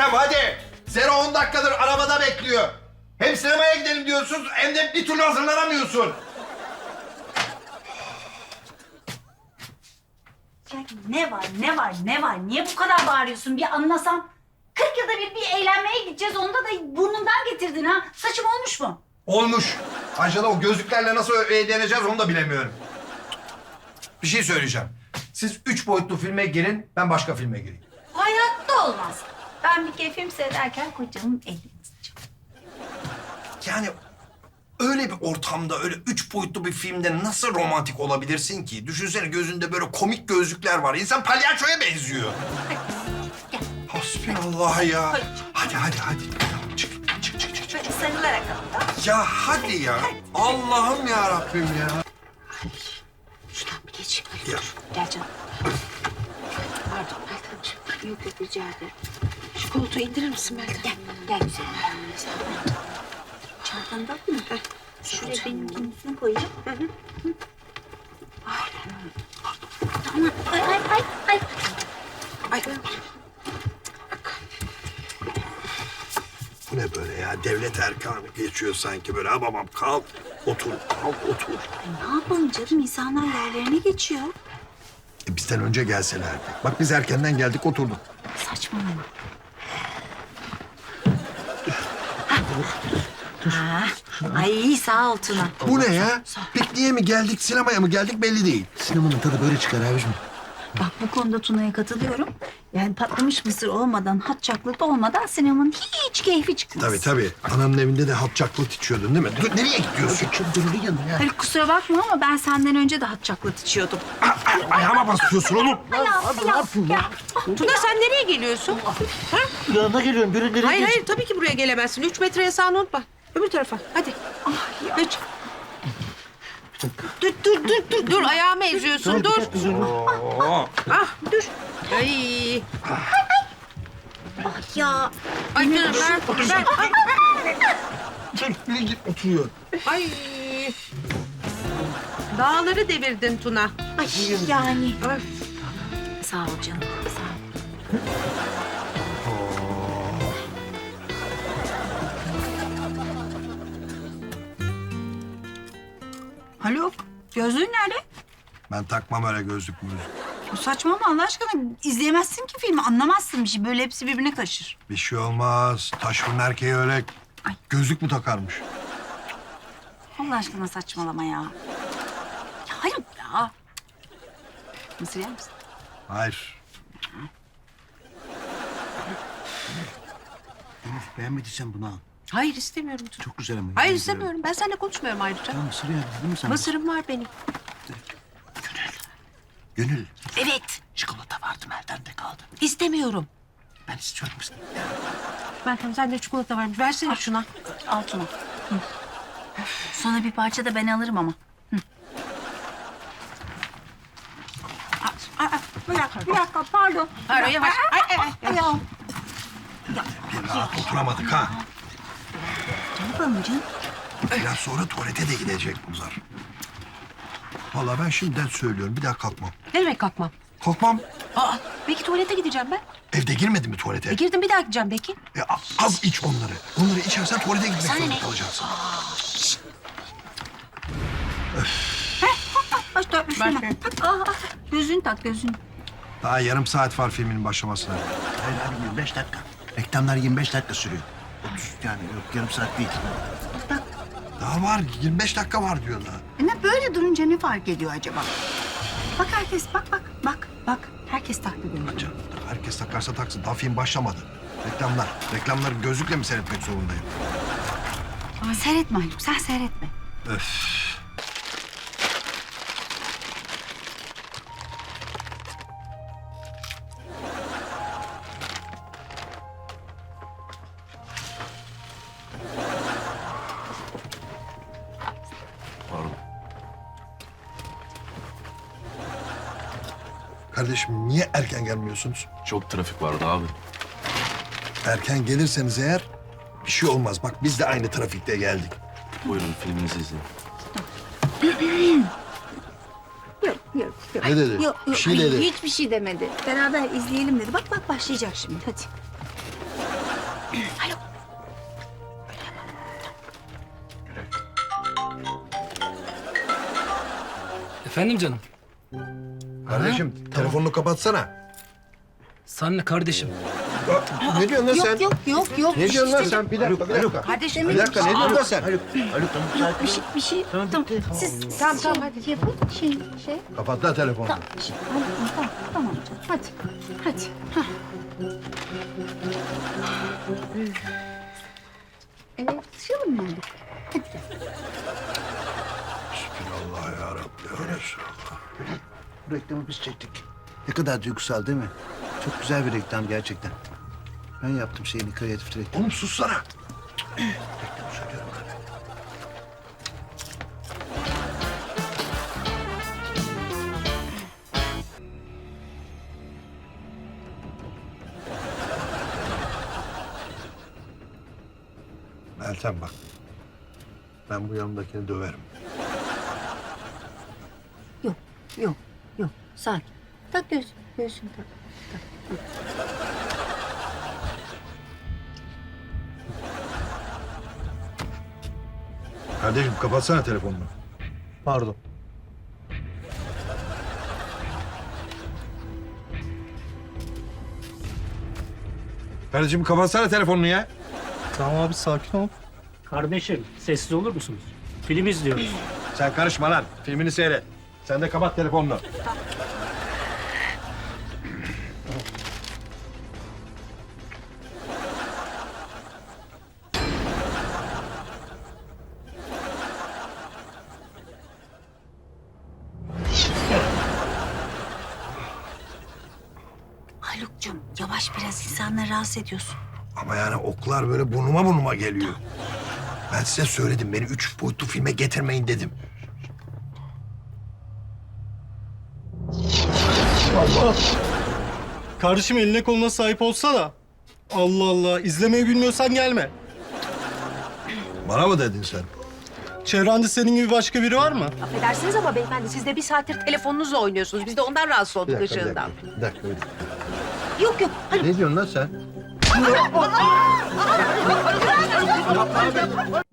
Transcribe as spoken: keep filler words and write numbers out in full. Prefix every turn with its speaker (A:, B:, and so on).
A: Meltem hadi. Zero on dakikadır arabada bekliyor. Hem sinemaya gidelim diyorsun hem de bir türlü hazırlanamıyorsun.
B: Ya ne var, ne var, ne var? Niye bu kadar bağırıyorsun? Bir anlasam. Kırk yılda bir, bir eğlenmeye gideceğiz. Onda da burnundan getirdin ha. Saçım olmuş mu?
A: Olmuş. Angela o gözlüklerle nasıl eğleneceğiz onu da bilemiyorum. Bir şey söyleyeceğim. Siz üç boyutlu filme girin, ben başka filme gireyim.
B: Hayatta olmaz. Ben bir kere film seyrederken kocamın elini tutacağım.
A: Yani öyle bir ortamda, öyle üç boyutlu bir filmde nasıl romantik olabilirsin ki? Düşünsene gözünde böyle komik gözlükler var. İnsan palyaçoya benziyor.
B: Gel.
A: Hasbinallah ya. Hadi hadi hadi. Tamam, çık çık çık çık.
B: Böyle sarılarak al.
A: Ya hadi ya. Allah'ım ya Rabbim ya.
C: Şuradan bir geç.
A: Ya.
C: Gel canım. Pardon Meltemciğim. Yok yok rica ederim. Şu koltuğu indirir misin Meltem? Gel. Gel güzelim.
B: Çantanı da mı? Şuraya benimkinin üstüne koyacağım. Hı hı. Tamam. Ay ay ay ay.
C: Ay.
A: Bu ne böyle ya? Devlet erkanı geçiyor sanki böyle. Ha babam kalk, otur, kalk, otur.
B: Ay, ne yapalım canım? İnsanlar yerlerine geçiyor.
A: E, bizden önce gelselerdi. Bak biz erkenden geldik, oturduk.
B: Saçmalama. Ha. Ay sağ ol Tuna.
A: Bu ne ya? Pikniğe mi geldik, sinemaya mı geldik belli değil.
D: Sinemanın tadı böyle çıkar abicim.
B: Bak bu konuda Tuna'ya katılıyorum. Yani patlamış mısır olmadan, hot chocolate olmadan sinemanın hiç keyfi çıkmaz.
A: Tabii tabii. Ananın evinde de hot chocolate içiyordun değil mi? Dur, nereye gidiyorsun?
D: Çok gönüllü yanına ya.
B: Hayır kusura bakma ama ben senden önce de hot chocolate içiyordum.
A: Ay, ayağıma basıyorsun oğlum.
D: Abi ne yapayım ya?
C: Tuna sen nereye geliyorsun? Ha?
D: Yanına geliyorum. Birileri
C: Hayır hayır tabii ki buraya gelemezsin. Üç metre yasağını unutma. Öbür tarafa hadi. Üç. Dur dur dur dur. Dur ayağımı eziyorsun dur. Ah dur. Ay.
B: Ya
C: Ay canım ver. ver. Ay.
A: Nereye git oturuyor?
C: Ay. Dağları devirdin Tuna.
B: ay yani.
C: Ay.
B: Sağ ol canım sağ ol. Haluk, gözlüğün nerede?
A: Ben takmam öyle gözlük mü?
B: Saçmalama Allah aşkına. İzleyemezsin ki filmi, anlamazsın bir şey. Böyle hepsi birbirine karışır.
A: Bir şey olmaz. Taşkın erkeği öyle
B: Ay.
A: gözlük mü takarmış?
B: Allah aşkına saçmalama ya. Ya hayır ya. Mısır yer misin?
A: Hayır.
D: Elif beğenmediysen bunu al.
C: Hayır istemiyorum Tuna.
D: Çok güzel ama.
C: Hayır
D: yemin
C: istemiyorum. Ben seninle konuşmuyorum ayrıca.
D: Tamam mısır yani değil mi sen?
C: Mısırım var benim.
D: Gönül.
C: Evet.
D: Çikolata vardı Meltem'de kaldı.
C: İstemiyorum.
D: Ben istiyorum mısır.
C: Meltem sende çikolata varmış. Versene şuna.
B: Al Tuna. Hı. Sonra bir parça da ben alırım ama. Hı. Aa, aa, bir dakika, bir dakika, pardon.
C: Pardon yavaş. Ay, ay, ay.
B: Ayağım.
A: Bir rahat oturamadık ha.
B: Ne yapalım canım?
A: Biraz sonra tuvalete de gidecek bunlar. Vallahi ben şimdiden söylüyorum. Bir daha kalkmam.
C: Ne demek kalkmam?
A: Kalkmam.
C: Aa, belki tuvalete gideceğim ben.
A: Evde girmedin mi tuvalete?
C: E, girdim bir daha gideceğim belki.
A: E, a- az iç onları. Onları içersen tuvalete gitmek
C: Sana
A: zorunda
C: ne?
A: kalacaksın.
B: Baş dört, üstüne. Tak, aa, aa, gözünü tak, gözünü.
A: Daha yarım saat var filmin başlamasına.
D: Hayır abi yirmi beş dakika. Reklamlar yirmi beş dakika sürüyor. otuz yani yok yarım saat değil.
A: Daha var. yirmi beş dakika var diyor daha.
B: E ne böyle durunca ne fark ediyor acaba? Bak herkes, bak bak, bak, bak. Herkes taktı gözünü.
A: Canım, herkes takarsa taksın. Daha film başlamadı. Reklamlar. Reklamları gözlükle mi seyretmek zorundayım?
B: Ay, seyretme Haluk, sen seyretme.
A: Öf. Kardeşim niye erken gelmiyorsunuz?
E: Çok trafik vardı abi.
A: Erken gelirseniz eğer bir şey olmaz. Bak biz de aynı trafikte geldik.
E: Buyurun filminizi izleyin.
B: Yok, yok, yok.
A: Ne dedi?
B: Yok,
A: Bir
B: yok.
A: şey
B: Ay,
A: dedi.
B: hiçbir şey demedi. Beraber izleyelim dedi. Bak bak başlayacak şimdi, hadi.
C: Haluk.
F: Efendim canım.
A: Kardeşim telefonunu kapatsana.
F: Sen ne kardeşim?
A: Ne diyorsun lan sen?
C: Yok yok yok yok.
A: Ne diyorsun lan sen? Bir dakika, bir dakika.
C: Kardeşim.
A: Bir dakika, ne diyorsun lan sen?
D: Haluk, Haluk tamam sakin
C: Bir
D: ol.
C: şey, bir şey. Tamam, siz tamam, tamam, hadi yapın. Şey, şey.
A: Kapat lan telefonu.
B: Tamam, şey, tamam, tamam, tamam canım. Hadi, hadi. Hah. Evet, dışarı mı geldik?
A: Allah yarabbim. Ya Resulallah.
D: Bu reklamı biz çektik. Ne kadar duygusal değil mi? Çok güzel bir reklam gerçekten. Ben yaptım şeyini, kreatif reklam.
A: Oğlum sussana.
D: Reklamı söylüyorum ben.
A: Meltem bak. Ben bu yanındakini döverim.
C: Yok, yok, yok. Sakin. Tak göğsün, göğsün tak. tak.
A: Kardeşim kapatsana telefonunu.
G: Pardon.
A: Kardeşim kapatsana telefonunu ya.
G: Tamam abi sakin ol.
H: Kardeşim sessiz olur musunuz? Film izliyoruz.
A: Sen karışma lan. Filmini seyret. Sen de kapat telefonunu.
C: Haluk'cum yavaş biraz insanları rahatsız ediyorsun.
A: Ama yani oklar böyle burnuma burnuma geliyor. Ben size söyledim. Beni üç boyutlu filme getirmeyin dedim.
G: Kardeşim eline koluna sahip olsana. Allah Allah. İzlemeyi bilmiyorsan gelme.
A: Bana mı dedin sen?
G: Çevrende senin gibi başka biri var mı?
C: Affedersiniz ama beyefendi siz de bir saattir telefonunuzla oynuyorsunuz. Biz de ondan rahatsız
A: Bir
C: olduk
A: dakika, bir
C: ışığından.
A: dakika. Bir dakika, bir dakika.
C: Yok yok.
A: Ne diyorsun lan sen?